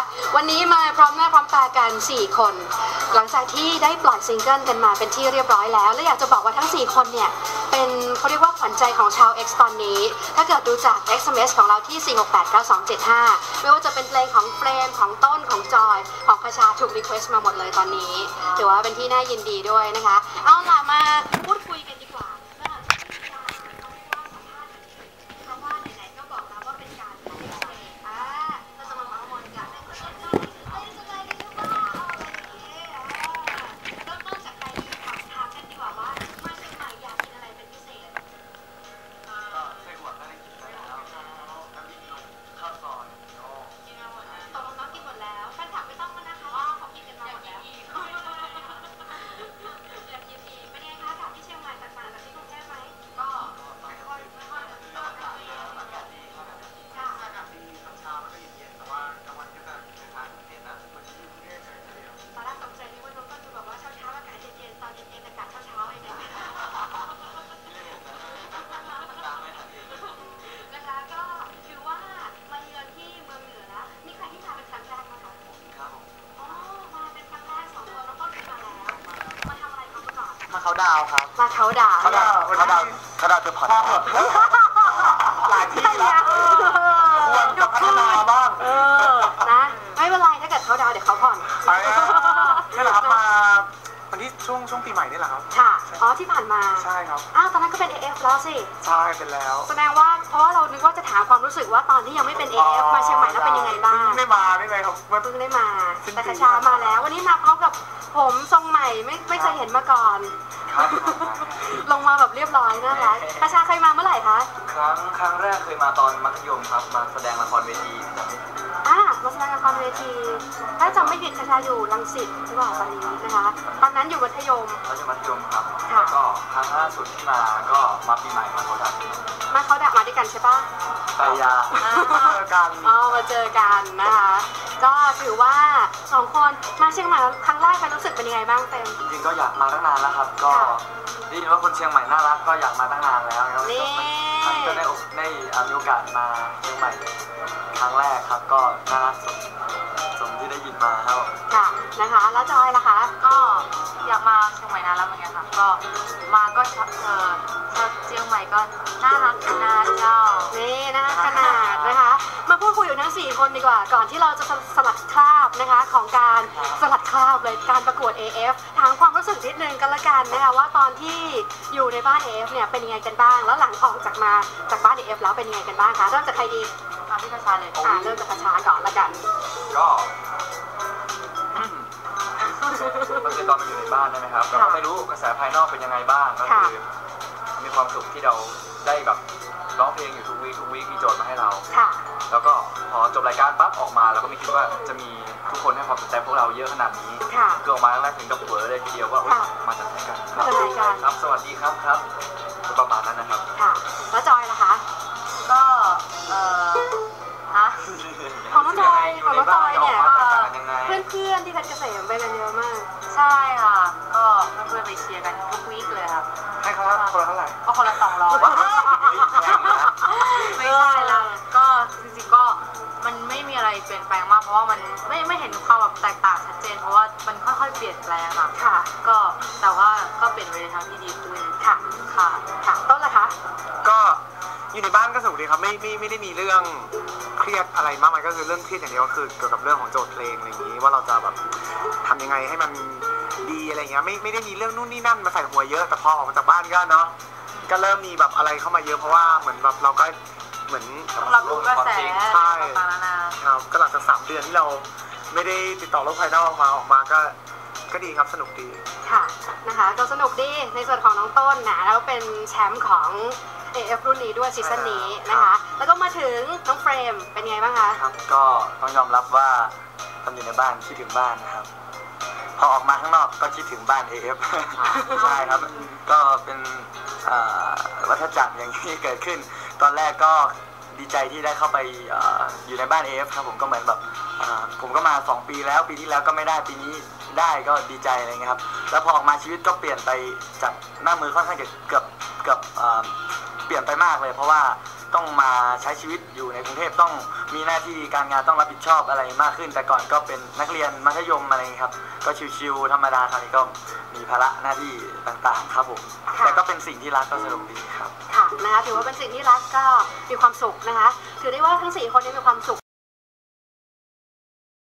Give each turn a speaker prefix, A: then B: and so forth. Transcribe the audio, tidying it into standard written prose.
A: วันนี้มาพร้อมหน้าพร้อมตากัน4คนหลังจากที่ได้ปล่อยซิงเกิลกันมาเป็นที่เรียบร้อยแล้วและอยากจะบอกว่าทั้ง4คนเนี่ยเป็นเขาเรียกว่าขวัญใจของชาว X ตอนนี้ถ้าเกิดดูจาก SMS ของเราที่ 4689275 ไม่ว่าจะเป็นเพลงของเฟรมของต้นของจอยของคชาถูกรีเควสต์มาหมดเลยตอนนี้ถือว่าเป็นที่น่ายินดีด้วยนะคะเอาล่ะมาพูดคุยกันดีกว่า
B: มาเขาดาวครับ
A: มาเขาดาว
B: เธอผ่อนหลายที่แล้วควรจะพัฒนาบ้าง
A: นะไม่เป็นไรถ้าเกิดเขาดาวเดี๋ยวเขาผ่อน
B: นี่แหละครับมาวันที่ช่วงปีใหม่นี่แหละครับ
A: ค่ะอ๋อที่ผ่านมา
B: ใช่ครับ
A: ตอนนั้นก็เป็น AF แล้วสิ
B: ใช่เป็นแล้ว
A: แสดงว่าเพราะว่าเรานึกว่าจะถามความรู้สึกว่าตอนที่ยังไม่เป็น AF มาเชียงใหม่แล้วเป็นยังไงบ้าง
B: ไม่มาได้ไงครับ
A: เพิ่งได้มาแต่คชามาแล้ววันนี้มาพร้อมกับผมทรงใหม่ไม่เคยเห็นมาก่อนลงมาแบบเรียบร้อยน่ารักคชาเคยมาเมื่อไหร่คะ
B: ครั้งแรกเคยมาตอนมัธยมครับมาแสดงละครเวทีจำไม่ผิด
A: มาแสดงละครเวทีถ้าจำไม่ผิดคชาอยู่รังสิตหรือเปล่าตอนนี้นะคะตอนนั้นอยู่มัธยม
B: ครับแล้วก็ครั้งล่าสุดที่มาก็มาปีใหม่มาเขาดับ
A: มาด้วยกันใช่ปะ
B: ไปยามาเจอกัน
A: มาเจอกันนะคะก็ถือว่า2คนมาเชียงใหม่ครั้งแรกรู้สึกเป็นยังไงบ้างเต็ม
B: จริงๆก็อยากมาตั้งนานแล้วครับก็ได้ยินว่าคนเชียงใหม่น่ารักก็อยากมาตั้งนานแล้วครับก็ได้มีโอกาสมาเชียงใหม่ครั้งแรกครับก็น่ารักสมที่ได้ยินมาครับ
A: ค่ะนะคะแล้วจอยล่ะคะ
C: ก็อยากมาเชียงใหม่นานแล้วเหมือนกันค่ะก็มาก็ชอบเชียงใหม่ก็น่ารักขนาดเจ้า
A: นี่นะคะขนาดนะคะมาพูดคุยอยู่ทั้ง4คนดีกว่าก่อนที่เราจะสลัดคราบนะคะของการสลัดคราบเลยการประกวด AF ถามความรู้สึกนิดนึงกันละกันนะคะว่าตอนที่อยู่ในบ้าน AF เนี่ยเป็นยังไงกันบ้างแล้วหลังออกจากบ้าน AF แล้วเป็นยังไงกันบ้างคะเริ่มจากใครดี
C: พี่คชาเลย
A: เริ่มจากคชาก่อนละกัน
B: ก็คือตอนมาอยู่ในบ้านใช่ไหมครับเราก็ไม่รู้กระแสภายนอกเป็นยังไงบ้างก็คือมีความสุขที่เราได้แบบร้องเพลงอยู่ทุกวีคมีโจทย์มาให้เราแล้วก็พอจบรายการปั๊บออกมาเราก็ไม่คิดว่าจะมีทุกคนให้ความสนใจพวกเราเยอะขนาดนี้คือออกมาแล้วถึงกับเวอร์เลยทีเดียวว่ามาจากไหนกันครับสวัสดีครับประมาณนั้นนะครับ
A: แล้วจอยล่ะคะ
C: ก็
A: ของน้องจอยเนี่ยเพื่อนที่เพชรเกษมไปกันเยอะมาก
C: ใช่ค่ะก็เพื่อนไปเชียร์กันทุกวีคเลยครับ
B: ให้เขาคนละเท่าไหร่
C: ก็คนละ200ไม่ใช่ละก็จริงๆก็มันไม่มีอะไรเปลี่ยนแปลงมากเพราะว่ามันไม่เห็นความแบบแตกต่างชัดเจนเพราะว่ามันค่อยๆเปลี่ยนแปลงค่ะก็แต่ว่าก็เปลี่ยนไปในทางที่ดีขึ้น
A: ค่ะต้นล่ะคะ
B: ก็อยู่ในบ้านก็สนุกดีครับไม่ได้มีเรื่องเครียดอะไรมากมายก็คือเรื่องเครียดอย่างเดียวก็คือเกี่ยวกับเรื่องของโจทย์เพลงอะไรอย่างนี้ว่าเราจะแบบทำยังไงให้มันดีอะไรเงี้ยไม่ได้มีเรื่องนู่นนี่นั่นมาใส่หัวเยอะแต่พอออกมาจากบ้านก็เนาะก็เริ่มมีแบบอะไรเข้ามาเยอะเพราะว่าเหมือนแบบเราก็เหมือน
C: รับรู้กระแส
B: ใช่ครับก็หลังจาก3 เดือนที่เราไม่ได้ติดต่อโลกภายนอกออกมาก็ดีครับสนุกดี
A: ค่ะนะคะก็สนุกดีในส่วนของน้องต้นนะแล้วเป็นแชมป์ของAF รุ่นนี้ด้วยซีซั่นนี้นะคะแล้วก็มาถึงน้องเฟรมเป็นไงบ้างคะ
B: ครับก็ต้องยอมรับว่าตอนอยู่ในบ้านคิดถึงบ้านนะครับพอออกมาข้างนอกก็คิดถึงบ้าน AF ใช่ครับก็เป็นวัฏจักรอย่างที่เกิดขึ้นตอนแรกก็ดีใจที่ได้เข้าไปอยู่ในบ้าน AF ครับผมก็เหมือนแบบผมก็มา2 ปีแล้วปีที่แล้วก็ไม่ได้ปีนี้ได้ก็ดีใจอะไรเงี้ยครับแล้วพอออกมาชีวิตก็เปลี่ยนไปจากหน้ามือค่อนข้างจะเกือบเปลี่ยนไปมากเลยเพราะว่าต้องมาใช้ชีวิตอยู่ในกรุงเทพต้องมีหน้าที่การงานต้องรับผิดชอบอะไรมากขึ้น แต่ก่อนก็เป็นนักเรียนมัธยมอะไรอย่างนี้ครับก็ชิวๆธรรมดาคราวนี้ก็มีภาระหน้าที่ต่างๆครับผมแต่ก็เป็นสิ่งที่รักก็สนุกดีครับ
A: ค่ะนะคะถือว่าเป็นสิ่งที่รักก็มีความสุขนะคะถือได้ว่าทั้ง4คนนี้มีความสุข